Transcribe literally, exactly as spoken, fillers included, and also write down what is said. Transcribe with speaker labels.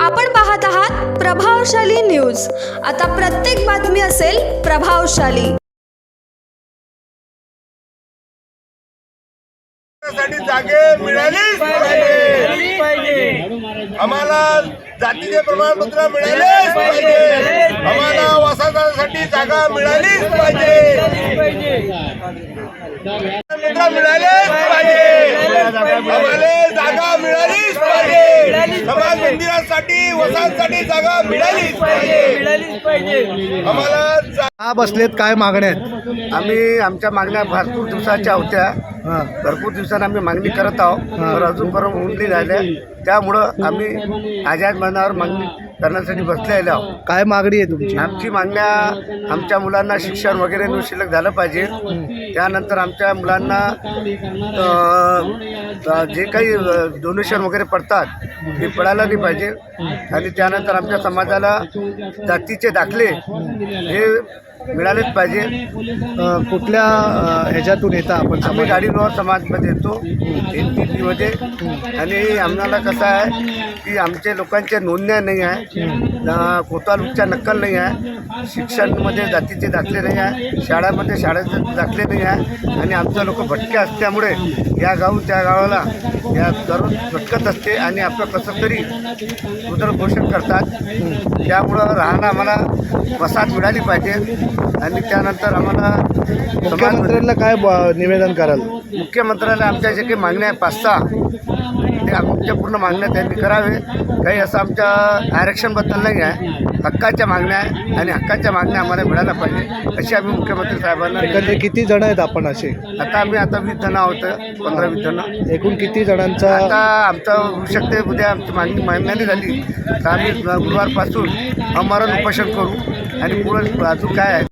Speaker 1: आपण पाहत आहात प्रभावशाली न्यूज। आता प्रत्येक बातमी असेल प्रभावशाली।
Speaker 2: साठी जागे मिळालीच पाहिजे, आम्हाला जातीचे प्रमाणपत्र मिळालेच पाहिजे, आम्हाला वसाहतासाठी जागा मिळालीच पाहिजे, मित्र मिळालेच पाहिजे, आम्हाला जागा मिळालीच पाहिजे, समाज मंदिरासाठी वसाहतासाठी जागा मिळालीच पाहिजे, आम्हाला
Speaker 3: का बसलेत, काय मागण्या आहेत?
Speaker 4: आम्ही आमच्या मागण्या भरपूर दिवसाच्या होत्या,
Speaker 3: हां
Speaker 4: भरपूर दिवसांनी आम्ही मागणी करत आहोत, तर अजूनपर्यंत होऊन नाही राहिल्या, त्यामुळं आम्ही आझाद मैदानावर मागणी करण्यासाठी बसलेलो आहोत।
Speaker 3: काय मागणी आहे तुमची?
Speaker 4: आमची मागण्या आमच्या मुलांना शिक्षण वगैरे न शिल्लक झालं पाहिजे, त्यानंतर आमच्या मुलांना अ, जे काही डोनेशन वगैरे पडतात ते पडायला नाही पाहिजे, आणि त्यानंतर आमच्या समाजाला जातीचे दाखले हे मिळालेच पाहिजे।
Speaker 3: अ, कुठल्या अ, ह्याच्यातून येता आपण?
Speaker 4: आम्ही गाडीवर समाजमध्ये येतो एन पी पीमध्ये, आणि आम्हाला कसं आहे की आमच्या लोकांच्या नोंदण्या नाही आहे, कोतालूकच्या नक्कल नाही आहे, शिक्षणामध्ये जातीचे दाखले नाही आहे, शाळामध्ये शाळेचे दाखले नाही आहे, आणि आमचं लोक भटके असल्यामुळे या गावून त्या गावाला या दररोज भटकत असते आणि आपलं कसं तरी उदरपोषण करतात, त्यामुळं राहणं आम्हाला वसाहत मिळाली पाहिजे, आणि त्यानंतर आम्हाला
Speaker 3: मुख्यमंत्र्यांना काय ब- निवेदन कराल?
Speaker 4: मुख्यमंत्र्याला आमच्या जे काही मागण्या आहे पाच सहा, ते आमच्या पूर्ण मागण्या त्यांनी करावे। काही असं आमच्या आरक्षणबद्दल नाही आहे, हक्काच्या मागण्या आहे, आणि हक्काच्या मागण्या आम्हाला मिळायला पाहिजे अशी आम्ही मुख्यमंत्री साहेबांना।
Speaker 3: एकंदरीत किती जण आहेत आपण असे?
Speaker 4: आता आम्ही आता वीस जण आहोत, पंधरा वीस जण।
Speaker 3: एकूण किती जणांचा?
Speaker 4: आता आमचं होऊ शकते उद्या आमची मागणी मागणी झाली तर आम्ही गुरुवारपासून आमरण उपोषण करू, आणि पुढे अजून काय आहे